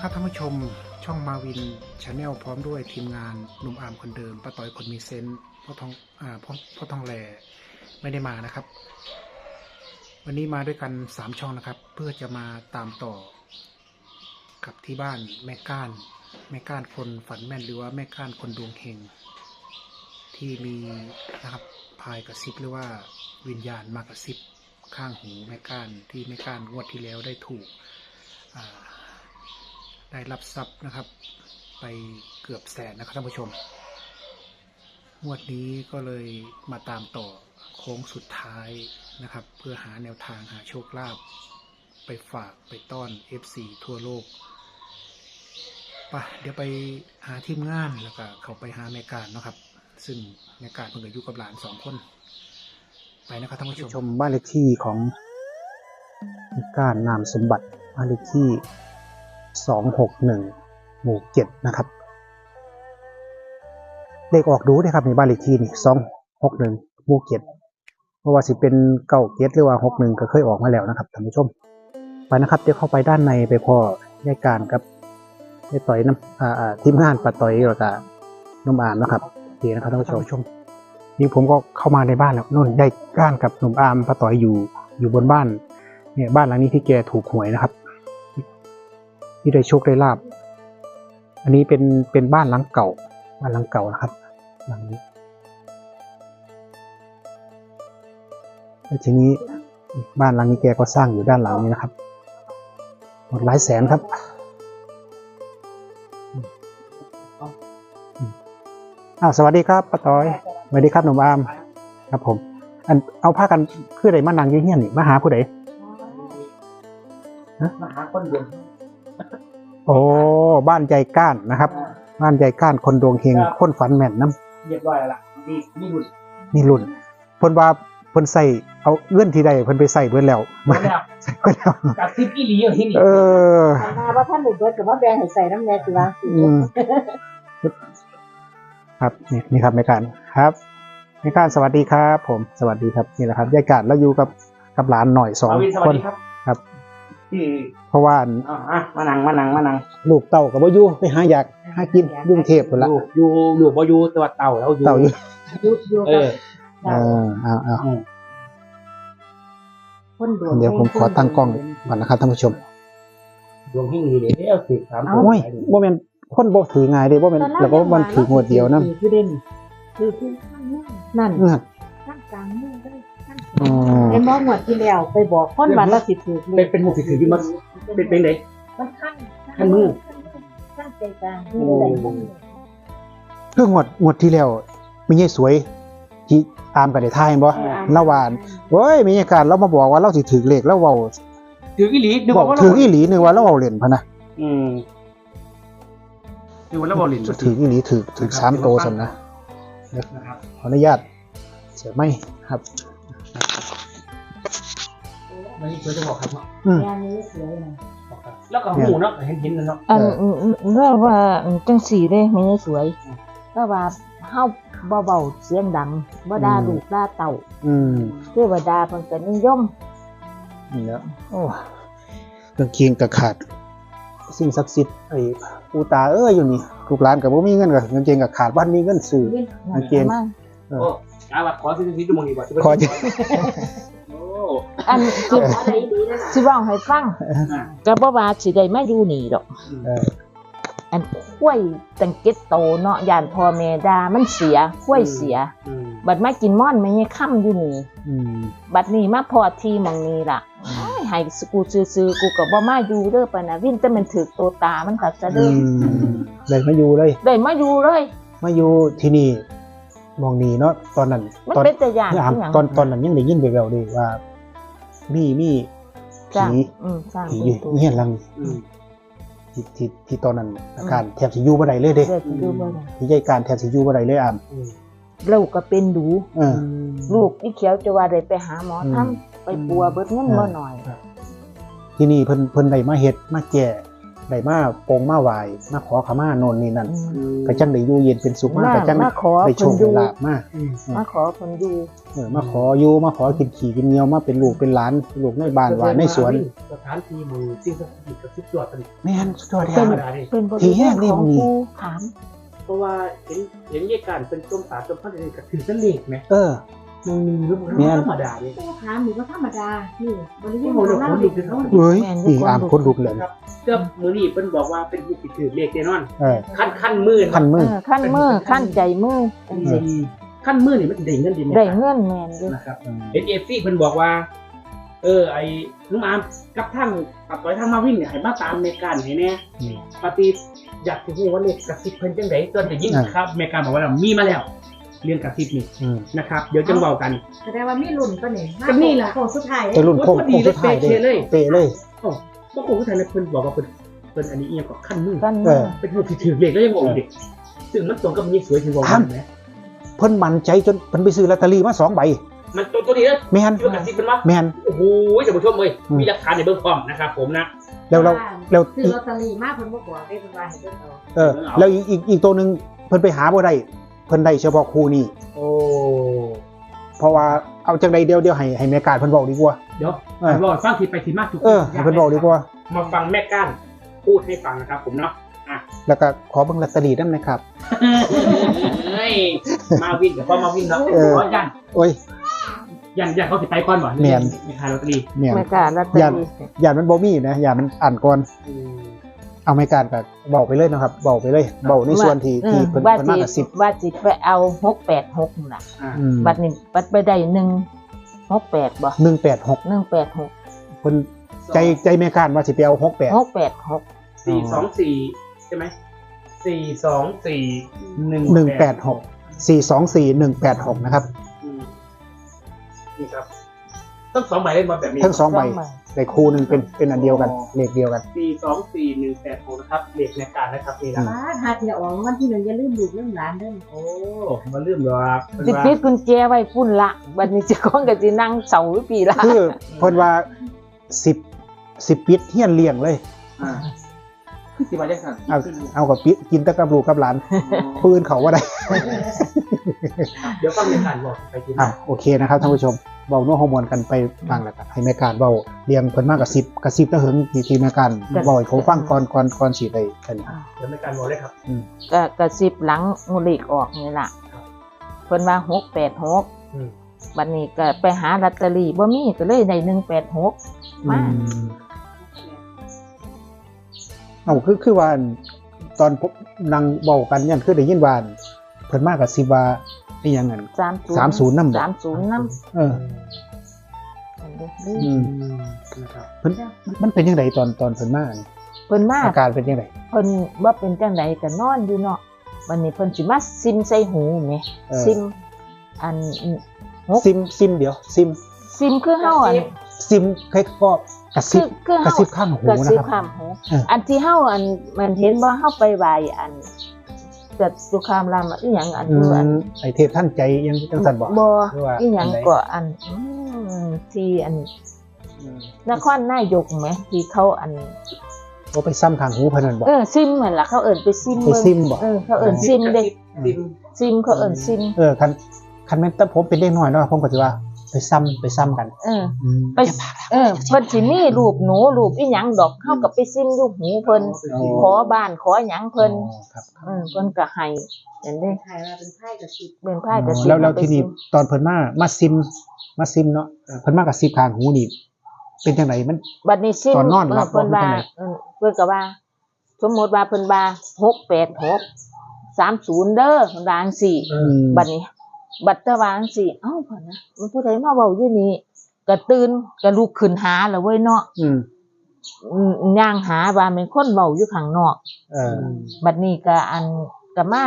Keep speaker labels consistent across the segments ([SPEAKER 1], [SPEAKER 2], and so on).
[SPEAKER 1] นะครับท่านผู้ชมช่องมาวินชาแนลพร้อมด้วยทีมงานหนุ่มอาร์มคนเดิมป้าต้อยคนมีเซนต์พ่อทองแหล่ไม่ได้มานะครับ วันนี้มาด้วยกัน3ช่องนะครับ เพื่อจะมาตามต่อกับที่บ้านแม่ก้านคนฝันแม่นหรือว่าแม่ก้านคนดวงเฮงที่มีนะครับพายกระซิบหรือว่าวิญญาณมากระซิบข้างหูแม่ก้านที่แม่ก้านงวดที่แล้วได้ถูกได้รับทรัพย์นะครับไปเกือบแสนนะครับท่านผู้ชมงวดนี้ก็เลยมาตามต่อโค้งสุดท้ายนะครับเพื่อหาแนวทางหาโชคลาภไปฝากไปต้อน FC ทั่วโลกไปเดี๋ยวไปหาทีมงานแล้วก็เขาไปหาแม่การนะครับซึ่งแม่การเพิ่งอายุกับหลาน2 คนไปนะครับท่านผู้ชมบ้านเลขที่ของแม่การนามสมบัติบ้านเลขที่261 หมู่ 7นะครับเลขออกดูได้ครับในบ้านเลขที่นี่261 หมู่ 7เพราะว่าสิเป็น97หรือว่า61ก็เคยออกมาแล้วนะครับท่านผู้ชมไปนะครับเดี๋ยวเข้าไปด้านในไปพอแยกการกับแม่ต่อยน้ำทีมงานป้าต่อยแล้วก็น้องอาร์มนะครับดีนะครับท่านผู้ชมนี่ผมก็เข้ามาในบ้านแล้วนู่นได้ก้านกับหนุ่มอาร์มป้าต่อยอยู่บนบ้านเนี่ยบ้านหลังนี้ที่แกถูกหวยนะครับที่ได้โชคได้ลาบอันนี้เป็นบ้านหลังเก่านะครับหลังนี้แล้วทีนี้บ้านหลังนี้แกก็สร้างอยู่ด้านหลังนี้นะครับหมดหลายแสนครับสวัสดีครับป้าต้อยสวัสดีครับหนุ่มอาร์มครับผมเอาผ้ากันคือใดมานั่งอยู่เฮียนนี่มาหาผู้ใด
[SPEAKER 2] มาหาคนเดียว
[SPEAKER 1] โอ้บ้านใจก้านนะครับบ้านใจก้านคนดวงเฮงคนฝันแม่นน้
[SPEAKER 2] ำเรียบร้อยแล้วนี่
[SPEAKER 1] รุ่นเพิ่นว่าเพิ่นใส่เอาเงื่อนที่ใดเพิ่นไปใส่เบิดแล้วใส่เบิดแล้ว
[SPEAKER 2] กับซิปอีหลีอยู่ที่นี่
[SPEAKER 3] มาว่าท่านเด็กเบิดกับว่าแบงให้ใส่น้ำแดงสิวะ
[SPEAKER 1] ครับนี่ครับแม่การครับแม่การสวัสดีครับผมสวัสดีครับนี่แหละครับยายการแล้วอยู่กับหลานหน่อย2 คนครับเพราะว่า
[SPEAKER 2] มานั่ง
[SPEAKER 1] ลูกเต่ากับบ่อยู่ไปหาอยากหากินยุ่งเทพพุ่นละ
[SPEAKER 2] อยู่บ่อยู่ตัวเต่าแล้วอยู่
[SPEAKER 1] เดี๋ยวผมขอตั้งกล้องก่อนนะครับท่านผู้ชม
[SPEAKER 2] ดวงที่นี่เด้อ13
[SPEAKER 1] โอ้ยบ่แม่นคนบ่ถือง่ายเด้บ่แม่นแล้วก็มันถืองวดเดียวนำ
[SPEAKER 3] คือข้างนั่นข้างกลางมือได้ข้างไอ้หมองวดที่แล้วไปบอกคนว่าเราสิถูก
[SPEAKER 2] เป็นหมู่สิถืออยู่มันเป็นได
[SPEAKER 3] มันข้าง
[SPEAKER 2] มือ
[SPEAKER 3] ข้างใจกลางคือได้บ่
[SPEAKER 1] คืองวดที่แล้วมียายสวยที่ตามกันได้ทายบ่ละวานโอ้ยมีอาการเรามาบอกว่าเราสิถือเลขแล้วเว้า
[SPEAKER 2] ถืออีหลีนึกว่า
[SPEAKER 1] ถืออีหลีนึกว่าเราเว้าเล่นพุ่นน่ะ
[SPEAKER 2] นึกว่าเราเว้าเล่น
[SPEAKER 1] ถืออีหลีถือ3 โตซั่นนะขออนุญาตเสียไม่ครับ
[SPEAKER 2] มันนี่สวยจะบอกครับ
[SPEAKER 3] งานนี้สวยนะ
[SPEAKER 2] แล้วก็หูเนาะเห็นเนาะ
[SPEAKER 3] แล้วว่าจังสีเด้มันสวยก็ว่าเฮาบ่เบาเสียงดังบ่ด่าลูกด่าเต่าเทวดาเพิ่นก็นิยม
[SPEAKER 1] นี่แหละโอ้กางเกงก็ขาดสิ่งศักดิ์สิทธิ์ไอ้ปู่ตาอยู่นี่ลูกหลานก็บ่มีเงินก็กางเกงก็ขาดบ้านมีเงินซื้อกางเกง
[SPEAKER 2] ว่าขอซื้อที่มองดีกว่า
[SPEAKER 1] ขอ
[SPEAKER 3] อันสิเว้าให้ฟังก็บ่ว่าสิได้มาอยู่นี่ดอกอันข้วยตั้ง7 โตเนาะย่านพ่อแม่ด่ามันเสียข้วยเสียบัดมากินม่อนไม่ให้ค่ำอยู่นี่บัดนี้มาพอที่มองนี้ล่ะให้กูซื้อกูก็บ่มาอยู่เด้อปะนะวินแต่มันถึกโตตามันก็จะเด้อ
[SPEAKER 1] ได้มาอยู่เลย
[SPEAKER 3] มาอยู่
[SPEAKER 1] ที่นี่มองนี่เนาะตอนนั้น
[SPEAKER 3] มันเป็นแต่ย่านอีหยัง
[SPEAKER 1] ตอนนั้นยังได้ยินแว่วๆเลยว่ามีผีอยู่เฮียนหลังที่ตอนนั้นอาการแทบสิอยู่บ่ได้เลยเด้ที่ใหญ่การแทบสิอยู่บ่ได้เลย
[SPEAKER 3] ลูกก็เป็นดูลูกอีเขียวจะว่าได้ไปหาหมอทำไปปัวเบิดเงินบ่หน่อย
[SPEAKER 1] ที่นี่เพิ่นได้มาเฮ็ดมาแก้ได้มาโปงมาไหวมาขอขมาโน่นนี่นั่นก็จังได้อยู่เย็นเป็นสุขมากก็จัง
[SPEAKER 3] มาขอ
[SPEAKER 1] ได้โช
[SPEAKER 3] เพิ่น
[SPEAKER 1] ค
[SPEAKER 3] อ
[SPEAKER 1] ได้
[SPEAKER 3] ยู่
[SPEAKER 1] ลาบมาก
[SPEAKER 3] มาขอเพิ่นอยู่
[SPEAKER 1] มาขออยู่มาขอกินขี่กินเหนียวมาเป็นลูกเป็นหลานลูกในบ้านว่าในสวน
[SPEAKER 2] สถานที่มือสิ่งศักดิ์สิทธิ์กับทุกตัวเป็น
[SPEAKER 1] แม่นสุดยอด
[SPEAKER 2] ธร
[SPEAKER 1] แท้
[SPEAKER 2] รมดาดิ
[SPEAKER 3] เป็นบ
[SPEAKER 1] ที่
[SPEAKER 3] ริ
[SPEAKER 1] แห้
[SPEAKER 3] เวณ
[SPEAKER 1] งนี่
[SPEAKER 3] ของ
[SPEAKER 1] มี
[SPEAKER 3] ภูถาม
[SPEAKER 2] เพราะว่าเห็นเยี่ยการเป็นต้มตาต้มพันธุ์กับถือเส้นเล็กไหม
[SPEAKER 1] เออ
[SPEAKER 2] มันมีรูป
[SPEAKER 1] เนี่ย
[SPEAKER 2] ธรรมดาดิ
[SPEAKER 4] ผู้ค้าหมูก็ธรรมดา นี่บริเว
[SPEAKER 2] ที่
[SPEAKER 4] ณ
[SPEAKER 2] โมโน
[SPEAKER 4] เล่า
[SPEAKER 2] คน
[SPEAKER 4] เด็
[SPEAKER 2] ดุ
[SPEAKER 4] ก
[SPEAKER 2] คือเขา
[SPEAKER 1] เฮ้ยนี่อามคนลุกเลย
[SPEAKER 2] ครับเจ้ามือนี่เป็นบอกว่าเป็นผู้ติดถือเลขแน่นอน
[SPEAKER 1] เออ
[SPEAKER 2] ขั้นมือ
[SPEAKER 1] คันมือ
[SPEAKER 3] ขั้นมือขั้นใจมือจังซี่
[SPEAKER 2] ขั้นมือนี่มันได้เงินดี
[SPEAKER 3] ได้เงินแม่นอยู่
[SPEAKER 2] นะครับเห็นเอฟซีเพิ่นบอกว่า ไอ้ลุงอามกับทั้งกับต่อยทั้งมาวิ่งเนี่ยให้มาตามในการให้แน่ปฏิอยากจะรู้ว่าเลขกระซิบเพิ่นจังได๋ตอนได้ยินครับในการบอกว่ามีมาแล้วเรื่องกระซิบนี่
[SPEAKER 1] อืม
[SPEAKER 2] นะครับ เดี๋ยวจังเว้ากัน
[SPEAKER 4] แสดงว่ามีรุ่นตัวนี้
[SPEAKER 2] ก็นี่ล่ะ
[SPEAKER 4] ของสุดท้าย
[SPEAKER 1] แต่รุ่นโค้งสุดท้ายเด้เตะเลย
[SPEAKER 2] โอ้ก็คงท่านเพิ่นบอกว่าเพิ่นอันนี้เอียงกับขั้นมือ
[SPEAKER 3] ขั้น
[SPEAKER 1] เอ
[SPEAKER 3] มือ
[SPEAKER 1] อ
[SPEAKER 2] เป็นผู้ที่ถือเลขแล้วยังบอกอีกซึ่งมันตรงกับมีสวยที่บอกว่าแหม
[SPEAKER 1] เพิ่นมั่นใจจนเพิ่นไปซื้อลอตเตอรี่มา2 ใบ
[SPEAKER 2] มันตัวนี้เด้อ
[SPEAKER 1] แม่น
[SPEAKER 2] เรื่องกระซิบเป็นว่า
[SPEAKER 1] แม่น
[SPEAKER 2] โอ้โหท่านผู้ชมเอ้ยมีหลักฐานในเบื้องต้นนะครับผมนะ
[SPEAKER 1] แล้ว
[SPEAKER 4] คือลอตเตอรี่มากเพิ่นบ่บอกได้เพิ่นว่าให้เพิ่นเอา
[SPEAKER 1] เออแล้วอีกตัวหนึงเพิ่นไปหาบ่ได้เพิ่นได้เฉพาะคู่นี้
[SPEAKER 2] โอ้
[SPEAKER 1] เพราะว่าเอาจังใดเดียวให้แม่การเพิ่นบอกดีกว่า
[SPEAKER 2] เดี๋ยว
[SPEAKER 1] เออ
[SPEAKER 2] รอฟังทีไปทีมาทุก
[SPEAKER 1] ให้เพิ่นบอกดีกว่า
[SPEAKER 2] มาฟังแม่ก้านพูดให้ฟังนะครับผมเนาะ
[SPEAKER 1] แล้วก็ขอเบิ่งลอตเตอรี่นำนะครับ
[SPEAKER 2] เฮ้ยมาวินกับพ่อมาวินเนาะ
[SPEAKER 1] เออ
[SPEAKER 2] ขอยัน
[SPEAKER 1] โอ้ย
[SPEAKER 2] ยันเขาสิไปก่อนบ่
[SPEAKER 1] แม่น
[SPEAKER 2] ไม่ขายลอตเตอรี่
[SPEAKER 1] แม่น
[SPEAKER 3] ไม่กล้าลอตเตอ
[SPEAKER 1] ย่าน
[SPEAKER 3] รี่
[SPEAKER 1] ย่านมันบ่มีนะย่านมันอ่านก่อนเอาแม่การก็บอกไปเลยนะครับบอกไปเลยบอกในส่วนที่เพิ่น
[SPEAKER 3] ว่า
[SPEAKER 1] เพิ่นมากับ
[SPEAKER 3] สิว่าสิไปเอา686นั่นล่ะ
[SPEAKER 1] อืม
[SPEAKER 3] บัดนี้บัดไปได้168บ่
[SPEAKER 1] 186
[SPEAKER 3] 186
[SPEAKER 1] เพิ่นใจแม่การว่าสิไปเอา68
[SPEAKER 3] 686
[SPEAKER 2] 424ใช่ไหม424
[SPEAKER 1] 186 นะครับ
[SPEAKER 2] นี่ครับทั้งสองใบเล่นมาแบบนี้
[SPEAKER 1] ทั้ง2ใบได้คู่หนึงเป็นอันเดียวกันเลขเดียวกัน
[SPEAKER 2] 424 186นะครับเลขในการนะครับนี่นะ
[SPEAKER 4] บ้าหาเที่ยออกวันที่1อย่าลืมลูกลืมหลานเด้อ
[SPEAKER 2] โอ้มาลืมหรอกเป็น
[SPEAKER 3] สิ
[SPEAKER 2] ว่า
[SPEAKER 3] ปิดกุญแจไว้พุ่นละบัดนี้เจ้าของก็สินั่งเสาอยู่ปีละ
[SPEAKER 1] คือเพิ่นว่า10ปิดเฮียนเลี้ยงเลย
[SPEAKER 2] สิมาจังซั่น
[SPEAKER 1] เอากับปิดกินแต่กับลูกกับหลานปืนเขาว่าได้
[SPEAKER 2] เดี๋ยวฟังในการบอกไปกิน
[SPEAKER 1] โอเคนะครับท่านผู้ชมเบาโน้ฮอร์โมนกันไปฟังแล้วกันให้แม่การเบาเรียงเพิ่นมากกระซิบตะเหิงทีแม่การเบาให้เขาฟังก่อนสิได้กัน
[SPEAKER 2] เดี๋ยวในการบอกเลยครับ
[SPEAKER 3] ก็กระซิบหลังงูเหล็กออกนี่ล่ะเพิ่นว่า686บัดนี้ก็ไปหาลอตเตอรี่บ่มีก็เลยได้186มา
[SPEAKER 1] เอาคือว่าตอนผมนั่งเบากันยันคือได้ยินว่าเพิ่นมากกระซิบว่าอีหยังงั้น 30นำบ่
[SPEAKER 3] 30นำ
[SPEAKER 1] เออ
[SPEAKER 2] นะครับ
[SPEAKER 1] เพิ่นมันเป็นจังไดตอนเพิ่นมานี่
[SPEAKER 3] เพิ่นมา
[SPEAKER 1] อาการเป็นจังได
[SPEAKER 3] เพิ่นบ่เป็นจังไดก็นอนอยู่เนาะวันนี้เพิ่นสิมาซิมใส่หูแหมซิมอัน
[SPEAKER 1] ซิมเดี๋ยวซิม
[SPEAKER 3] คือเฮาอัน
[SPEAKER 1] ซิมใครก็กระซิบ
[SPEAKER 3] คือก
[SPEAKER 1] ระ
[SPEAKER 3] เฮา
[SPEAKER 1] ซิบข้างหู
[SPEAKER 3] กระ
[SPEAKER 1] นะ
[SPEAKER 3] ซิบ
[SPEAKER 1] ครับ
[SPEAKER 3] ข้างหู
[SPEAKER 1] เอออั
[SPEAKER 3] อันที่เฮาอันมันเห็นบ่เฮาไปไหว้อันเกิดสุขามรามอีหยังอันคืออัน
[SPEAKER 1] ไอเทพท่านใจยังจังซั่นบ่
[SPEAKER 3] บ่
[SPEAKER 1] หรือว่า
[SPEAKER 3] อีหยังก็อันที่อันนครนายกแหมที่เขาอัน
[SPEAKER 1] บ่ไปซ้ำข้างหูเพิ่นนั่นบ่
[SPEAKER 3] ซิมนั่นล่ะเขาเอิ้นไปซิม
[SPEAKER 1] ไปซิมบ่
[SPEAKER 3] เขาเอิ้นซิมเด้
[SPEAKER 2] ซิม
[SPEAKER 3] ซิมเขาเอิ้นซิม
[SPEAKER 1] คันแม่นแต่ผมเป็นเด็กน้อยเนาะผมก็สิว่าไปซ้ำกัน
[SPEAKER 3] ไปเพิ่นสิมีรูปหนูรูปอีหยังดอกเฮาก็ไปซิมอยู่หูเพิ่นขอบ้านขอหยังเพิ่น
[SPEAKER 1] ครับ
[SPEAKER 3] เพิ่นก็ให้จังได๋
[SPEAKER 4] ถ่ายมาเป็นไพ่กับสิบ
[SPEAKER 3] เป็นไผก็สิ
[SPEAKER 1] แล้วทีนี้ตอนเพิ่นมาซิมเนาะเพิ่นมากับซิบข้างหูนี่เป็นจังไดมัน
[SPEAKER 3] บัดนี้ซิม
[SPEAKER 1] ตอนนอนหลับ
[SPEAKER 3] เพิ่นว่า
[SPEAKER 1] บ่เป็นจังได๋
[SPEAKER 3] เพิ่นก็ว่า สมมุติว่าเพิ่นว่า686 30เด้อเพิ่นว่าจังซี่บัดนี้ บัดตะวาจังซี่เอ้าเพิ่นนะมันผู้ใดมาเว้าอยู่นี่ก็ตื่นก็ลุกขึ้นหาแล้วเว้ยเนาะย่างหาว่าเป็นคนเว้าอยู่ข้างนอกบัดนี้ก็ก็มา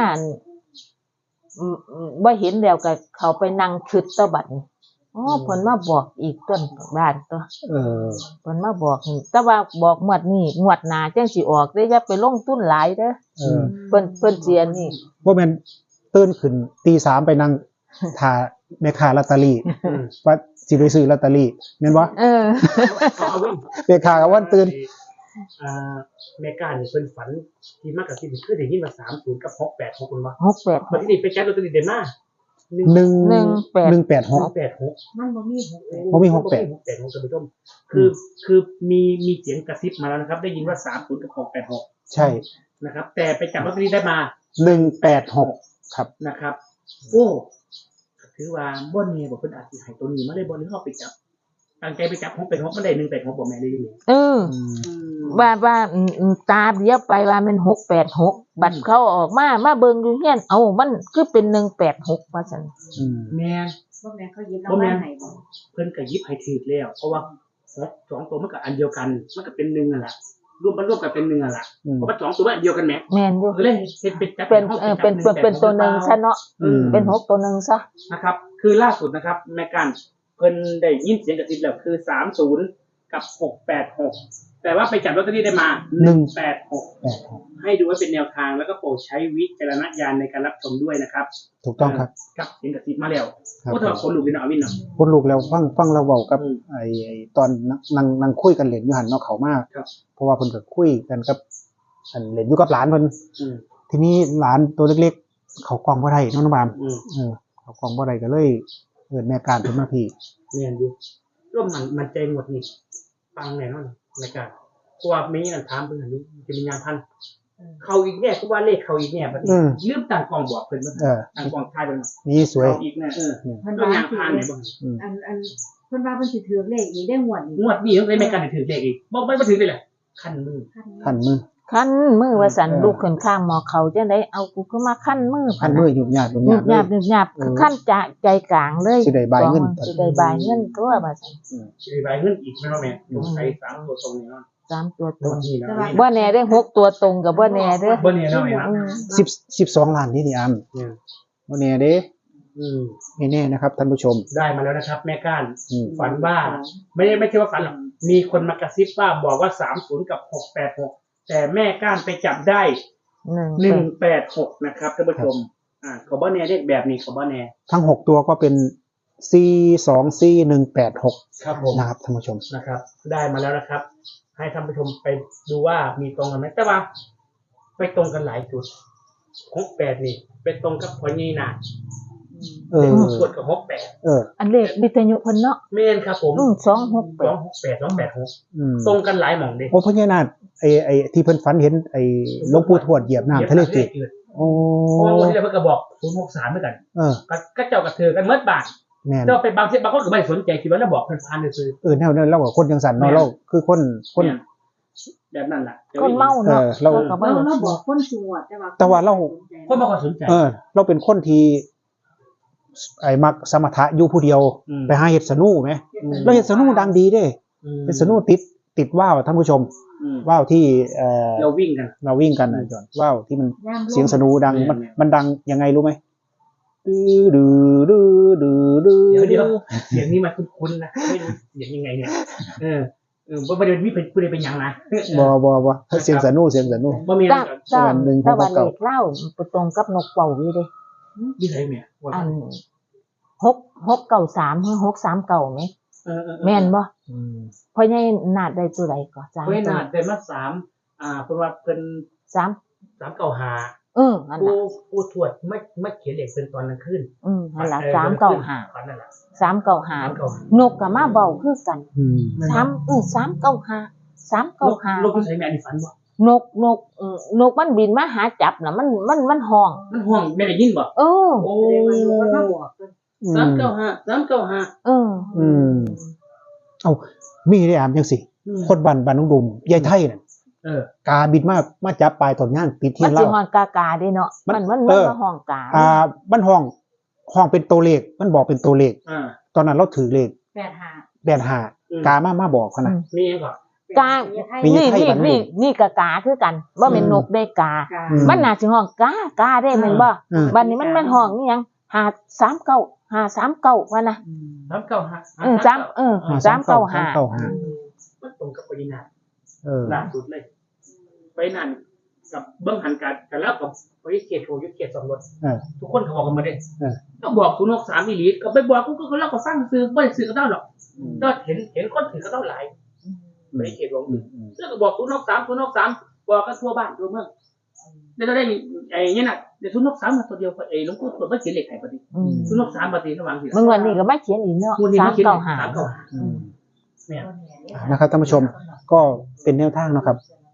[SPEAKER 3] บ่เห็นแล้วก็เข้าไปนั่งคิดต่อบัดนี้เพิ่นมาบอกอีกต้นบ้านตัวเพิ่นมาบอกนี่แต่ว่าบอกงวดนี้งวดหน้าจังสิออกเด้ออย่าไปลงทุนหลายเด้อเพิ่นสิอันนี้
[SPEAKER 1] บ่แม่นตื่นขึ้นตี3ไปนั่งท่าแม่ค้าลอตเตอรี่ว่าสิไปซื้อลอตเตอรี่แม่นบ่แม่ค้าก็วันตื่น
[SPEAKER 2] เมกาเนี่ยเพิ่นฝันที่มากกับที่คือได้ยินว่า30กับ686มันว่า
[SPEAKER 3] 68
[SPEAKER 2] บัดนี้ไปจัดลอตเตอรี่ได้มา
[SPEAKER 1] 186
[SPEAKER 4] มันบ่มีหก
[SPEAKER 1] บ่มี68
[SPEAKER 2] 686ท่านผู้ชมคือมีเสียงกระซิบมาแล้วนะครับ ได้ยินว่า30กับ686
[SPEAKER 1] ใช่
[SPEAKER 2] นะครับ แต่ไปจับลอตเตอรี่ได้มา
[SPEAKER 1] 186ครับ
[SPEAKER 2] นะครับโอ้ถือว่าบ่เนี่ยบอกเพิ่นอาจสิให้ตัวนี้มาเลยบ่หรือเฮาไปจับตั้งใจไปจับ686มันได้186บ่แม่ได้ยิน
[SPEAKER 3] เออว่าตาเดียวไปว่ามัน686บัดเขาออกมาเบิ่งอยู่เฮียนเอ้ามันคือเป็น186ว่าซั่น
[SPEAKER 2] แม่น
[SPEAKER 4] บ่แม่นเขาหยิบรางวัลให้บ่
[SPEAKER 2] เพิ่นก็หยิบให้ถูกแล้วเพราะว่า2ตัวมันก็อันเดียวกันมันก็เป็น1นั่นล่ะรวมกันเป็น1นั่นล่ะเพราะว่า2ตัวมันอันเดียวกันแหม
[SPEAKER 3] แม่นอยู่
[SPEAKER 2] ก็เลยเฮ็ดเป็นจับ
[SPEAKER 3] เป็นตัวหนึงซะเนาะเป็น6ตัวหนึงซะ
[SPEAKER 2] นะครับคือล่าสุดนะครับแม่กันเพิ่นได้ยินเสียงกระซิบแล้วคือ30กับ686แต่ว่าไปจับลอตเตอรี่ได้มา186ให้ดูไว้เป็นแนวทางแล้วก็โปรดใช้วิจารณญาณในการรับชมด้วยนะครับ
[SPEAKER 1] ถูกต้องครับ
[SPEAKER 2] กับเสียงกระซิบมาแล้ว
[SPEAKER 1] ครับ
[SPEAKER 2] โอ้ถ้าคนลูกนี่นะอวินเนาะ
[SPEAKER 1] คนลูกแล้วฟังเราเว้ากับ
[SPEAKER 2] อืม
[SPEAKER 1] ไอ้ตอนนั่งคุยกันเล่นอยู่หั่นเนาะเขามา
[SPEAKER 2] ครับ
[SPEAKER 1] เพราะว่าเพิ่นก็คุยกันกับอันเล่นอยู่กับหลานเพิ่น
[SPEAKER 2] อืม
[SPEAKER 1] ทีนี้หลานตัวเล็กๆ เขากล้องบ่ได้น้องน้ำบาม
[SPEAKER 2] อืม
[SPEAKER 1] เขากล้องบ่ได้ก็เลยเอิ้นแม่การเพิ่นมาพี่
[SPEAKER 2] เรียนอยู่ร่วมมันใจหมดนี่ฟังแน่นอนในการเพราะว่ามีอันถามเพิ่นอยู่จะมีงานพันเขาอีกแน่ก็ว่าเลขเขาอีกแน่บัดนี้ลืมตั้งกล้องบอกเพิ่นว่าตั้งกล้องถ่ายเพิ่น
[SPEAKER 1] นี่สวย
[SPEAKER 2] เขาอีกแน่
[SPEAKER 4] เพิ่น
[SPEAKER 2] เรื่อง
[SPEAKER 4] ว่า
[SPEAKER 2] งานพันไหนบ่
[SPEAKER 4] อันเพิ่นว่าเพิ่นสิถือเลขอีกได้งวดนี้
[SPEAKER 2] งวดนี้ต้องได้แม่การถือเลขอีกบ่ถือได้แหละคันมือ
[SPEAKER 1] คันมือ
[SPEAKER 3] คันมือว่าซั่นลูกขึ้นข้างหมอเขาจังได๋เอากูขึ้นมาคันมือ
[SPEAKER 1] คันมือหยุบหยาดหยุบห
[SPEAKER 3] หยุ
[SPEAKER 1] ยา
[SPEAKER 3] บ
[SPEAKER 1] ด
[SPEAKER 3] ห
[SPEAKER 1] เลย
[SPEAKER 3] าย บหยุบหยาบคือคันจะใจกลางเลย
[SPEAKER 1] สิได้บายเงิน
[SPEAKER 3] สิได้บายเงินตัวว่าซั่น
[SPEAKER 2] สิใบเงินอีกแม่นบ่แม่ต้องใช้3ตัวตรงนี้เนาะ
[SPEAKER 3] 3ตัวต
[SPEAKER 2] ง
[SPEAKER 3] ร
[SPEAKER 2] ว
[SPEAKER 3] ง
[SPEAKER 2] ดนี้นะ
[SPEAKER 3] บ่แน่เด้6ตัวตรงกับบ่แน่เด้อ
[SPEAKER 2] บ่เนี่ยเนาะแม่นะ
[SPEAKER 1] 12ล้านนี่อาม
[SPEAKER 2] เนี่ย
[SPEAKER 1] บ่แน่เด้
[SPEAKER 2] อืม
[SPEAKER 1] ไม่แน่นะครับท่านผู้ชม
[SPEAKER 2] ได้มาแล้วนะครับ แม่ก้าน
[SPEAKER 1] อืม
[SPEAKER 2] ฝันว่าไม่ใช่ว่าฝันหรอกมีคนมากระซิบว่าบอกว่า30กับ686แต่แม่ก้านไปจับได้186นะครับท่านผู้ชมเขาบ่แน่เลขแบบนี้เขาบ่แน่
[SPEAKER 1] ทั้ง6ตัวก็เป็น424
[SPEAKER 2] ครับผม
[SPEAKER 1] นะครับท่านผู้ชม
[SPEAKER 2] นะครับ ได้มาแล้วนะครับ ให้ท่านผู้ชมไปดูว่ามีตรงกันไหมแต่ว่าไปตรงกันหลายจุด68นี่ไปตรงกับพอนี่นา
[SPEAKER 1] เออ
[SPEAKER 2] ส่วนกับ68
[SPEAKER 3] อันเลขวิทยุเพิ่นเนาะ
[SPEAKER 2] แม่นครับผม
[SPEAKER 3] 268
[SPEAKER 2] 268ตรงกันหลายหม่องเด้
[SPEAKER 1] โอ้พญานาคไอ้ที่เพิ่นฝันเห็นไอ้หลวงปู่ทวดเหยียบน้ำทะเลจืดโอ้
[SPEAKER 2] เพราะว่าวันที่แล้วเพิ่นก็บอก063เหมือนกัน ก็เจ้ากับเธอกันเมื่อบาท
[SPEAKER 1] แม่น
[SPEAKER 2] เราไปบางคนก็ไม่สนใจคิดว่าเราบอกเพิ่นพานซื่อ
[SPEAKER 1] แนวนั้นเราก็คนจังสันเนาะเราคือคน
[SPEAKER 2] เนี่ยแบบนั้นล่ะ
[SPEAKER 3] คนเมาเนาะ
[SPEAKER 1] เรา
[SPEAKER 3] ก็บ่
[SPEAKER 4] เรา
[SPEAKER 3] ได้
[SPEAKER 4] บอกคนสวด
[SPEAKER 1] แต่ว่าเรา
[SPEAKER 2] คนบ่ค่อยสนใจ
[SPEAKER 1] เราเป็นคนที่ไอ้มักสมถะอยู่ผู้เดียว ไปหาเฮ็ดสนุแหมเราเฮ็ดสนุดังดีเด้เฮ็ดสนุติดว่าวท่านผู้ชมว่าวที่
[SPEAKER 2] เราวิ่งกัน
[SPEAKER 1] เราวิ่งกันนะจอนว่าวที่มันเสียงสนุดังมันดังยังไงรู้ไหมดื้อดื้อดื้อดื้อ
[SPEAKER 2] เดี๋ยวเสียงนี้มันคุ้นๆนะไม่รู้เสียงยังไงเนี่ยบ่ได้มีผู้ใดเป็นหยังนะ
[SPEAKER 1] บ่เสียงสนุ
[SPEAKER 2] บ่มี
[SPEAKER 3] แต่ว่าเลขเล่าไปตรงกับนกเป่าอยู่เด้
[SPEAKER 2] ที่ไหนแม่ว่า
[SPEAKER 3] อัน693หรือ639มั้ยแม่นบ่เพราะใหญ่นาดได้ตัวใดก็3
[SPEAKER 2] เพิ่นน่ะได้มา3เพิ่นว่าเพิ่น
[SPEAKER 3] 3
[SPEAKER 2] 395
[SPEAKER 3] นั่นล่ะ
[SPEAKER 2] ผู้ทวดไม่เขียนเลขเป็นตอนกลางคืน
[SPEAKER 3] นั่นล่ะ
[SPEAKER 2] ฝันนั่นล่ะ
[SPEAKER 3] 395นกก็มาเว้าคือกัน395
[SPEAKER 2] ลูกที่ใช้แม่อันนี้ฝันบ่
[SPEAKER 3] นกมันบินมาหาจับน่ะมันห้อง
[SPEAKER 2] มันห่วงแม่ได้ยินบ่
[SPEAKER 3] โอ้
[SPEAKER 2] โอ้
[SPEAKER 4] มาบอกเพิ่น
[SPEAKER 2] 395
[SPEAKER 1] เอามีได้อามจังสิคนบ้านน้องดุมยายไทยน่ะกาบินมาจับปลายต้นย่างติด
[SPEAKER 3] มั
[SPEAKER 1] เทีย
[SPEAKER 3] น
[SPEAKER 1] น
[SPEAKER 3] สิ
[SPEAKER 1] เล่า
[SPEAKER 3] ฮ้อนกาเด้เนาะมันมาห้องกา
[SPEAKER 1] มันห้องเป็นตัวเลขมันบอกเป็นตัวเลขตอนนั้นเราถือเลข 85กามาบอกเขานะ
[SPEAKER 2] มีก่อน
[SPEAKER 3] กานี่กากาคือกันบ่แม่นนกได้กามันน่าสิห้องกาได้แม่นบ่บัดนี้มันห้องอีหยัง539ว่านะ395
[SPEAKER 2] มันตรงกับปรินาล่าสุดเลยไปนั่นกับเบิ้งหันกันแล้วกับไปเขตโทยุเขตสองรถทุกคนเขาบอกกันมาได้ก็บอกคุณนก3อีหลีก็ไปบอกกูก็เล่าก็ฟังซื้อบ่ได้ซื้อก็ได้หรอกก็เห็นคนถือก็ต้องหลายไม่ได้เขตหลวงแล้วก็บอก063บอกกันทั่วบ้านทั่วเมืองแล้วก็ได้ไอ้เนี่ยน่ะเดี๋ยว063มาตัวเดียวไอ้หลวงปู่ตรวจบ่เขียนเลขให้ปฏิ063ปฏิระวังสิ
[SPEAKER 3] เมื่อวันนี้ก็มาเขียนอีกเนาะ
[SPEAKER 2] วันนี้มาเขียน
[SPEAKER 3] 395
[SPEAKER 2] เนี่ย
[SPEAKER 1] นะครับท่านผู้ชมก็เป็นแนวทางนะครับ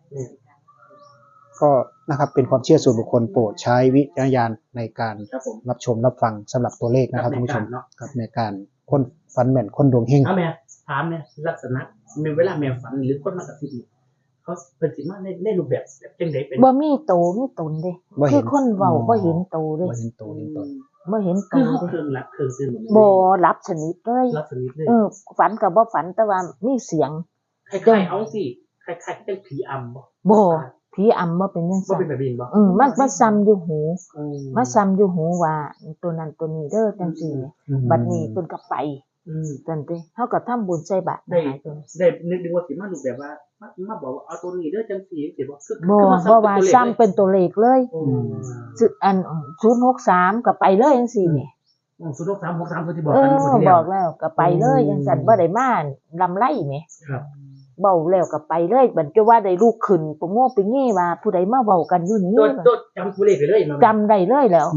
[SPEAKER 1] ก็นะครับเป็นความเชื่อส่วนบุคคลโปรดใช้วิจารณญาณในการ
[SPEAKER 2] ครับผม
[SPEAKER 1] รับชมรับฟังสำหรับตัวเลขนะครับท่านผู้ชม
[SPEAKER 2] เนาะ
[SPEAKER 1] กับในการคนฟันแม่นคนดวงเฮง
[SPEAKER 2] เอาแม่ถามเนี่ยลักษณะมีเวลาแม่ฝันหรือคนมากระซิบนี่เขาเป็นสิมาในรูปแบบจังไดเป็น
[SPEAKER 3] บ่มีโตมีตนเด้
[SPEAKER 1] บ่เห็
[SPEAKER 3] คื
[SPEAKER 1] น
[SPEAKER 3] อคนเว้าบ่เห็นโตเด้
[SPEAKER 1] บ่เห็นตัวเห็นตน
[SPEAKER 3] บ่เห็นโต
[SPEAKER 2] คือเขา
[SPEAKER 3] เด้
[SPEAKER 2] เครื่องรับเครื่องซื้อหมด
[SPEAKER 3] บ่รับสนิทเลย
[SPEAKER 2] รับสนิทเลย
[SPEAKER 3] ฝันก็บ่ฝันแต่ว่ามีเสียง
[SPEAKER 2] คล้ายๆเอาสิคล้ายๆเป็นผีอำบ่
[SPEAKER 3] บ่ผีอำบ่เป็นจัง
[SPEAKER 2] บ่
[SPEAKER 3] ซั่น
[SPEAKER 2] เป็นแบบนี้บ่
[SPEAKER 3] มันซ้ำอยู่หูมาซ้ำอยู่หูว่าตัวนั้นตัวนี้เด้อจังซี่แหมบัดนี้เพิ่นก็ไปจังซี่เฮาก็ทำบุญใส่บาตร
[SPEAKER 2] ได้
[SPEAKER 3] หายตัว
[SPEAKER 2] ได้นึกว่าสิมารูปแบบว่ามาบอกว่าเอาตัวนี้เด้อจังซี่สิบ่คือ
[SPEAKER 3] บ่ว่าซ้ำเป็นตัวเลขเลย
[SPEAKER 2] โอ้
[SPEAKER 3] อัน063ก็ไปเลยจังซี่แหม
[SPEAKER 2] 06363ที่บอกกันคนที่
[SPEAKER 3] บ
[SPEAKER 2] แล้ว
[SPEAKER 3] อกแล้วก็ไปเลยจังซั่นบ่ได้มาลำไรแหม
[SPEAKER 2] ครับ
[SPEAKER 3] เว้าแล้วก็ไปเลยบัดจะว่าได้ลูกขึ้นปโง่ไปเงี้ว่าผู้ใดมาเว้ากันอยู่นี่
[SPEAKER 2] ตัวจำตัวเลขไปเลยมา
[SPEAKER 3] จำได้เลยแล้ว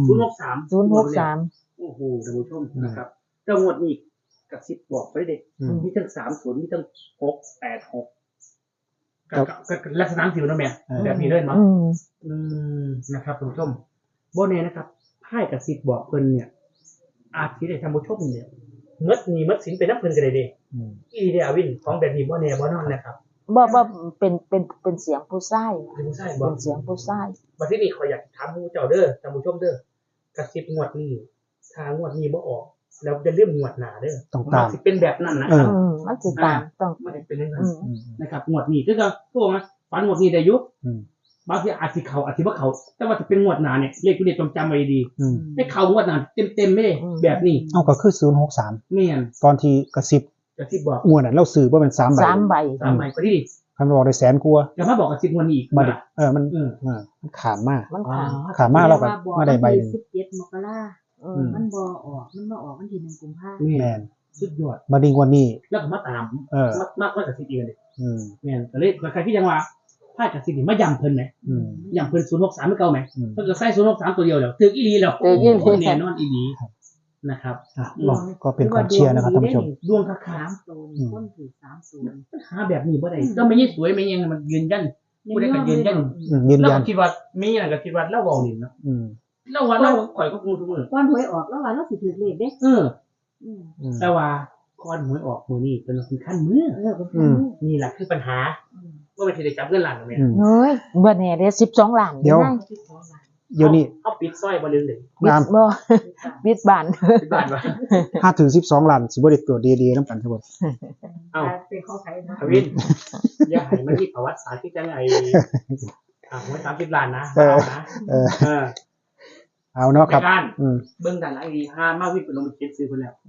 [SPEAKER 2] 063
[SPEAKER 3] 063
[SPEAKER 2] โอ้โหท่านผู้ชมนะครับเจ้างวดนี้กระซิบบอกไปเด็กมีทั้ง30มีทั้ง686กับลักษณะสิวนะแม่แบบนี้เลยมั้งนะครับท่านผู้ชมโบเน่นะครับไพ่กระซิบบอกเพิ่นเนี่ยอาจสิได้ท่านผู้ชมเนี่ยมัดหนี้มัดสินไปนับเพิ่นกันเลยเด้อีเดียวินของแบบนี้โบเน่บ่นอนนะครับ
[SPEAKER 3] บ่เป็นเสียงผู้ชาย
[SPEAKER 2] เป็นผู้ชายบ่
[SPEAKER 3] เป็นเสียงผู้ชาย
[SPEAKER 2] บัดที่นี่ขออยากถามผู้เจ้าเด้อท่านผู้ชมเด้อกระซิบงวดนี้ถ้างวดนี้บ่ออกแล้วจะเลื่อมงวดหน้าเด้อ
[SPEAKER 1] ต้องตาม
[SPEAKER 2] นสิเป็นแบบนั้นนะครับ
[SPEAKER 3] มันสิตามต้อง
[SPEAKER 2] มันจะเป็นอย่างนั้นนะครับงวดนี้คือก็พวกนะฝันงวดนี้ได้อยุบางทีอาจสิเขาอาจสิบ่เขาแต่ว่าจะเป็นงวดหน้าเนี่ยเลขตัวนี้ต้องจำไว้ดีให้เขางวดหน้าเต็มๆไม่ได้แบบนี้
[SPEAKER 1] เอาก็คือ063
[SPEAKER 2] แม่น
[SPEAKER 1] ตอนที่กระซิบ
[SPEAKER 2] กระซิบบอก
[SPEAKER 1] งวดน่ะเราซื้อบ่เป็น3ใบ
[SPEAKER 3] 3 ใบ
[SPEAKER 2] 3ใบก็ที่
[SPEAKER 1] คันบอกได้แสนกว่า
[SPEAKER 2] แล้วมาบอกกระซิบงวดนี้อีก
[SPEAKER 1] มา
[SPEAKER 2] มา
[SPEAKER 1] ดิมันขามมาก
[SPEAKER 3] มันขาว
[SPEAKER 1] ขามากเราก็มาได้ใบหนึง
[SPEAKER 4] 17 มกรามันบ่ออกมันมาออกวันที่1 กุมภาพันธ์
[SPEAKER 1] แม่น
[SPEAKER 2] สุดยอด
[SPEAKER 1] มาดิงวันนี้
[SPEAKER 2] แล้วก็มาตามมากระซิบอีกเลย แม่นแต่เลยใครที่ยังว่าไพ่กระซิบนี่มาย้ำเพิ่นไหมย้ำเพิ่น063ไม่เก่าไหมเพิ่นก็ใส่063ตัวเดียวแล้วถึงอีหลีแล้วแน่นอนอีหลีนะครับ
[SPEAKER 1] ก็เป็นความเชื่อนะครับท่านผู้ชม
[SPEAKER 2] ดวงคัก
[SPEAKER 4] 3ตัวคนถือ30
[SPEAKER 2] หาแบบนี้บ่ได้ก็ไม่ยิ่งสวยไม่ยังมันยืนยันผู้ใดก็ยืนยัน
[SPEAKER 1] ยืน
[SPEAKER 2] เรา
[SPEAKER 1] ยัน
[SPEAKER 2] ก็คิดว่ามีอย่างก็คิดว่าเราเว้านี่เนาะเราว่าเราข่อยก็พูดทุกมื้อ
[SPEAKER 4] ก่อนหวยออกแล้วว่าเราสิถือเลขเด้
[SPEAKER 2] แต่ว่าก่อนหวยออกมื้อนี้เป็นขั้นมื้อ นี่แหละคือปัญหาว่ามันสิได้จับเงินล้านแม่
[SPEAKER 3] เฮ้ยบ่แน่เด้12 ล้าน
[SPEAKER 1] เดี๋ยวนี้
[SPEAKER 2] เอาปิดซอยบ่ลืมเลย
[SPEAKER 3] บิดบ่บิดบ้าน
[SPEAKER 2] ปิดบ้านว่า
[SPEAKER 1] 5 ถึง 12 ล้านสิบ่ได้ตัวดีๆนำกันทั้งหมด
[SPEAKER 2] เอ้า
[SPEAKER 4] เป็นข้อใช้นะ
[SPEAKER 2] ทวินอย่าให้มันมีประวัติศาสตร์ที่จังไอ้หวย30ล้านนะ
[SPEAKER 1] เอาเนาะครับ
[SPEAKER 2] การเบิ่งด้านหลังดีห้ามาวินเป็นลงไปเช็คซื้อเพิ่นแล้ว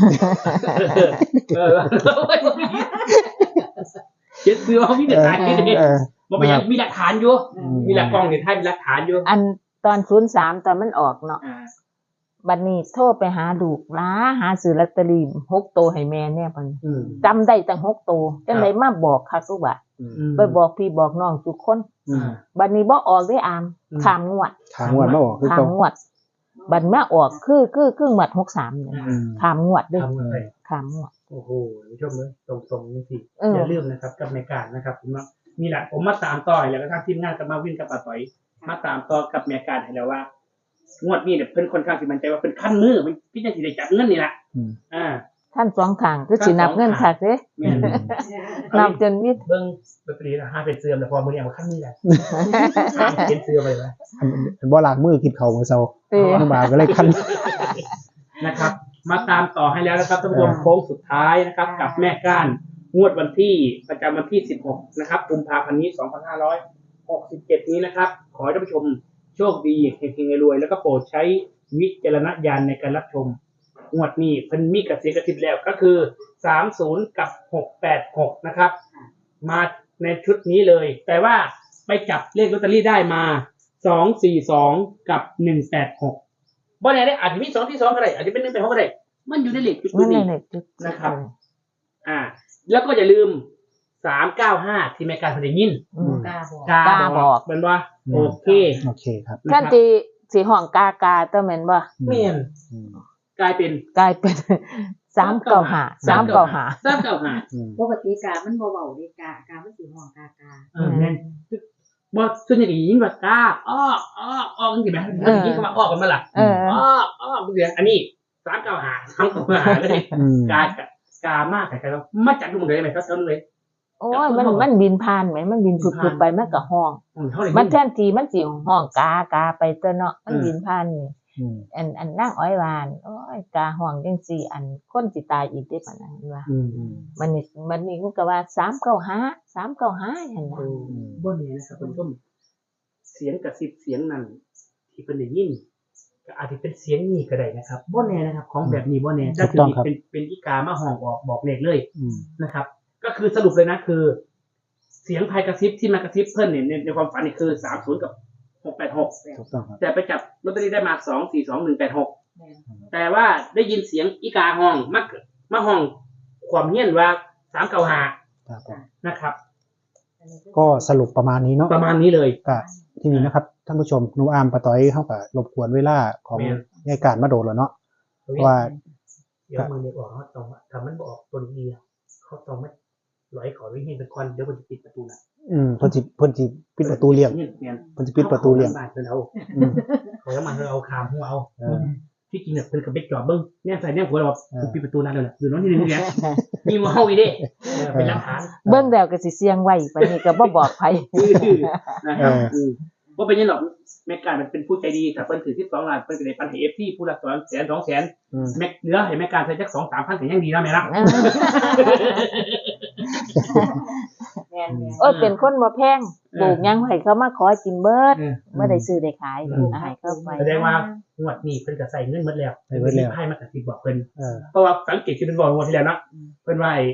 [SPEAKER 2] เช็คซื้อเอามีแต่ถ่ายนี่บ่ไปยังมีหลักฐานอยู่มีหลักกล้องนี่ถ่ายมีหลักฐานอยู่
[SPEAKER 3] อันตอน03ตอนมันออกเนาะบัดนี้โทรไปหาลูกล้าหาซื้อลอตเตอรี่6ตัวให้แม่แน่เพิ่นจำได้ตั้ง6ตัวจังได๋มาบอกคักซุว่าไปบอกพี่บอกน้องทุกคนบัดนี้บ่ออกได้อามข้ามงวด
[SPEAKER 1] ทางวันมาออกคือ
[SPEAKER 3] ข้ามงวดบัดมาออกคือหมัด63เนี่ยข้ามงวดเด้อข้ามงวด
[SPEAKER 2] โอ้โหผู้ชมเลยตรงๆนี่สิอย่าลืมนะครับกับในการนะครับผมว่ามีแหละผมมาตามต่อแล้วก็ทางทีมงานกับมาวินกับป้าต่อยมาตามต่อกับแม่การให้แล้วว่างวดนี้เนี่ยเพิ่นค่อนข้างสิมั่นใจว่าเป็นขั้นมือมันพี่จะสิได้จับเงินนี่ล่ะ
[SPEAKER 3] ท่าน2ข้างคือสินับเงินคักเด้
[SPEAKER 2] แม่น
[SPEAKER 3] นับจนมิด
[SPEAKER 2] เบิ่งลอตเตอรี่5เป็นเสื่อมแล้วพอมื้อนี้มาขั้นมือแล้วเป็นเสื่อมไปแล้ว
[SPEAKER 1] บ่ล้างมือกินข้าวมื้อเช้าน้ำบาก็เลยคัน
[SPEAKER 2] นะครับมาตามต่อให้แล้วนะครับท่านผู้ชมโค้งสุดท้ายนะครับกับแม่ก้านงวดวันที่ประจำวันที่16นะครับกุมภาพันธ์นี้2567นี้นะครับขอให้ท่านผู้ชมโชคดีเฮงๆรวยแล้วก็โปรดใช้วิจารณญาณในการรับชมงวดนี้เพิ่นมีกระเสียกระทิบแล้วก็คือ30กับ686นะครับมาในชุดนี้เลยแต่ว่าไปจับเลขลอตเตอรี่ได้มา242กับ186บ่แน่ได้อาจจะมี2ที่2ก็ได้อาจจะเป็น1 8 6ก็ได้มันอยู่ในเลขชุดนี้นะครับแล้วก็อย่าลืม 395ที่แม่การเพิ่นได้ยิน
[SPEAKER 3] อืม
[SPEAKER 4] กล้าบอก
[SPEAKER 2] กา
[SPEAKER 3] บอก
[SPEAKER 2] เป็นว่าโอเค
[SPEAKER 1] โอเคครับ
[SPEAKER 3] ท่านที่สิห้องกากาตัวแม่นบ่
[SPEAKER 2] เมียน
[SPEAKER 1] อืม
[SPEAKER 2] กลายเป็น
[SPEAKER 3] กลายเป็น395 395
[SPEAKER 1] อืม
[SPEAKER 4] ปกติกามันบ่เบาเลยกามันสิห้องกากา
[SPEAKER 2] แม่นบ่ส่วนใหญ่ได้ยินว่ากาอ้อจังซี่แหมมันได้ยินคำว่าอ้อกันมาล่ะ
[SPEAKER 3] เออ
[SPEAKER 2] อ้อเสียงอันนี้395เลย
[SPEAKER 1] อืม
[SPEAKER 2] กามากแต่ว่ามาจากดูมันเลยไหมครับเท่านั้นเลย
[SPEAKER 3] โอ้ยมันบินผ่านไหมมันบินผุดๆไปมันก็ห้อง
[SPEAKER 2] เท่าไหร่
[SPEAKER 3] มันแทนที่มันสิห้องกาไปตัวเนาะมันบินผ่านนี่
[SPEAKER 1] อืม
[SPEAKER 3] อันนั่งอ้อยวานโอ้ยกาห้องจังซี่อันคนสิตายอีกได้ปานนั้นว่า
[SPEAKER 1] อืมอืม
[SPEAKER 3] มันนี่มันก็ว่า395หั่นน่ะ
[SPEAKER 2] บ่แน่นะครับคุณผู้ชมเสียงกระซิบเสียงนั้นที่เป็นได้ยินก็อาจจะเป็นเสียงนี้ก็ได้นะครับบ่แน่นะครับ ของแบบนี้บ่แน่ถ้าคือเป็นอีกามาห้องบอกเลขเลย
[SPEAKER 1] อืม
[SPEAKER 2] นะครับ ก็คือสรุปเลยนะคือ เสียงภายกระซิบที่มากระซิบเพิ่นเนี่ยในความฝันนี่คือ30กับ686
[SPEAKER 1] ถูกต้องครับ
[SPEAKER 2] แต่ไปจับลอตเตอรี่ได้มา242186
[SPEAKER 4] แม่น
[SPEAKER 2] แต่ว่าได้ยินเสียงอีกาห้องมาห้องความเงียนว่า395
[SPEAKER 1] ครับผม
[SPEAKER 2] นะครับ
[SPEAKER 4] อันนี้
[SPEAKER 1] ก็สรุปประมาณนี้เนาะ
[SPEAKER 2] ประมาณนี้เลย
[SPEAKER 1] ก็ที่นี้นะครับท่านผู้ชมหนูอามปะต้อยเขาก็รบกวนเวลาของ
[SPEAKER 2] แม่น
[SPEAKER 1] ยายการมาโดนแล้วเนาะว่า
[SPEAKER 2] เดี๋ยวมือเนี่ยออกเขาต้องทำมันบอกตัวดีเขาต้องไม่ร้อยขอวิ่งให้เป็นควันเดี๋ยวมันจะปิดประตูนะ
[SPEAKER 1] เพิ่นสิปิดประตูเลี่ยง
[SPEAKER 2] เนี่ย
[SPEAKER 1] เพิ่นสิปิดประตูเลี่ยง
[SPEAKER 2] บาทเพิ่นเอา
[SPEAKER 1] อืม
[SPEAKER 2] เขาแล้วมันเอาคามหัวเอา
[SPEAKER 1] เออ
[SPEAKER 2] ที่จริงเนี่ยเพิ่นกับไปจอดเบิ้งเนี่ยใส่เนี่ยหัวเรา
[SPEAKER 1] เออ
[SPEAKER 2] ปิดประตูนั่นเลยแหละอยู่น้องที่หนึ่งเนี่ยมีหัวเอาอีเด้เป็นหลักฐาน
[SPEAKER 3] เบิ่งแล้วก็สิเสียงไว้ปานนี้ก็บ่บอกไผ
[SPEAKER 2] นะครับว่าเป็นยังหรอกแม่การมันเป็นผู้ใจดีแต่เพิ่นถือ12 ล้านเพิ่นก็ได้ปันให้ FT ผู้ละ200,000 200,000
[SPEAKER 1] อืม
[SPEAKER 2] แม่เหลือให้แม่การใช้จัก 2-3,000ก็ยังดีนะแม่ละ
[SPEAKER 4] แม่น
[SPEAKER 3] โอ้ยเป็นคนบ่แพงปลูกหยังให้เขามาขอกินเบิด
[SPEAKER 2] เออ
[SPEAKER 3] บ่ได้ซื้อได้ขายดอกให้เขาไป
[SPEAKER 2] แสดงว่างวดนี้เพิ่นก็ใส่เงินหมดแล้ว
[SPEAKER 1] ใส่เบิดแล้ว
[SPEAKER 2] ให้มากระซิบบอกเพิ่น
[SPEAKER 1] เออ
[SPEAKER 2] เพราะว่าสังเกตที่เป็นบอกงวดที่แล้วเนาะเพิ่นว่าไอ้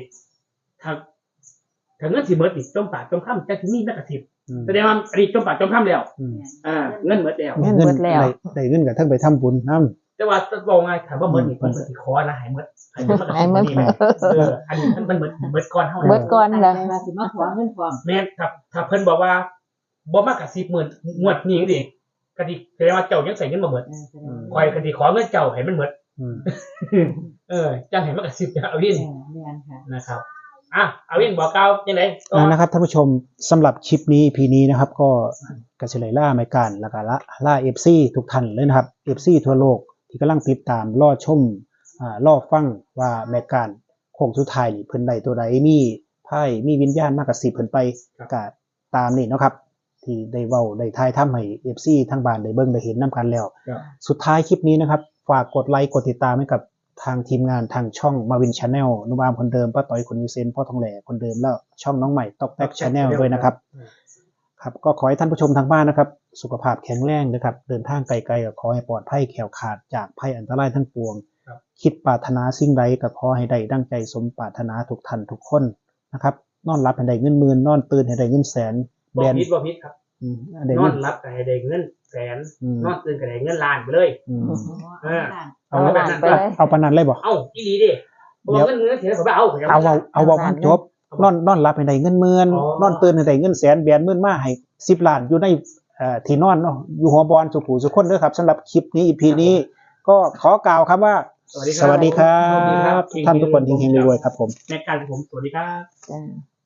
[SPEAKER 2] ถ้าเงินสิหมดนี่จมปากจมค่ำจังสิมีแม่กระซิบ
[SPEAKER 1] อืม
[SPEAKER 2] แสดงว่าอันนี้จมปากจมค่ำแล้ว
[SPEAKER 1] อืม
[SPEAKER 2] เงินหมดแล้ว
[SPEAKER 3] เงินเบิดแล้ว
[SPEAKER 1] ได้เงินกับทั้งไปทำบุญนำ
[SPEAKER 2] แต่ว่าจะบอกไงถามว่าหมดนี่เพิ่นสิขอนะให้หมดให้หมดมากระซิบนี่แม่อันนี้มันหมดก่อนเฮา
[SPEAKER 3] เบิดก่อน
[SPEAKER 4] ตั้ง
[SPEAKER 3] แล้ว
[SPEAKER 4] ใจว่าสิมาขอเงินพร้อม
[SPEAKER 2] แม่นถ้าเพิ่นบอกว่าบ่มากระซิบหมื่นงวดนี้ดิกะดิแสดงว่าเจ้ายังใส่เงินบ่หมด
[SPEAKER 4] แสดงว่า
[SPEAKER 2] คอยกะดิขอเงินเจ้าให้มันหมด
[SPEAKER 1] อืม
[SPEAKER 2] จังให้มากระซิบเอาวิน
[SPEAKER 4] แม่นค่ะ
[SPEAKER 2] นะครับเอาวินบอกกล่าวจังได๋ก็
[SPEAKER 1] นะครับท่านผู้ชมสำหรับคลิปนี้ EP นี้นะครับ ก็กระเฉลยล่าไมการแล้วก็ล่า FC ทุกท่านเลยนะครับ FC ทั่วโลกที่กำลังติดตามรอชมรอฟังว่าแมการโค้งสุดท้ายนี่เพิ่นใดตัวใดมีไพ่มีวิญญาณมากกว่า10เพิ่นไปก็ตามนี่เนาะครับ ที่ได้เว้าได้ทายทำให้ FC ทั้งบ้านได้เบิ่งได้เห็นนํกันแล้ว สุดท้ายคลิปนี้นะครับฝากกดไลค์กดติดตามให้กับทางทีมงานทางช่องมาวินชาแนลนุบามคนเดิมป้าต้อยคนยูเซนพ่อทองแหล่คนเดิมแล้วช่องน้องใหม่ต๊อกแท็กชาแนลด้วยนะครับครับก็ขอให้ท่านผู้ชมทางบ้านนะครับสุขภาพแข็งแรงนะครับเดินทางไกลๆก็ขอให้ปลอดภัยแขล้วขาดจากภัยอันตรายทั้งปวง คิดปรารถนาสิ่งใดก็ขอให้ได้ดังใจสมปรารถนาทุกท่านทุกคนนะครับนอนหลับให้ได้เงินหมื่นนอนตื่นให้ได้เงินแสน
[SPEAKER 2] บ่ผิดบ่ผิดครับ
[SPEAKER 1] ได้
[SPEAKER 2] นอ
[SPEAKER 1] เงิ
[SPEAKER 2] น
[SPEAKER 1] น
[SPEAKER 2] รับก็ให้ได้เงินแสน
[SPEAKER 1] อืม
[SPEAKER 2] นอนตื่นก็ได้เงินล้านไปเลย
[SPEAKER 1] อืม
[SPEAKER 3] เอาล้านไปเลย
[SPEAKER 1] เอาปานนั้นเลยบ่
[SPEAKER 2] เอ้าอีหลีดิเพราะว่าเงินเสียผมบ่เอา
[SPEAKER 1] เอามันจบนอนหลับให้ได้เงินหมื่นนอนตื่นให้ได้เงินแสนแบนหมื่นมาให้10 ล้านอยู่ในที่นอนเนาะอยู่หัวบอลสุขุสุขคนเด้อครับสำหรับคลิปนี้ EP นี้ก็ขอกล่าวครับว่า สวัสดีครับท่านทุกคนเฮงๆรวยๆครับผม
[SPEAKER 2] ในการผมสวัสดีครับ
[SPEAKER 3] จ้า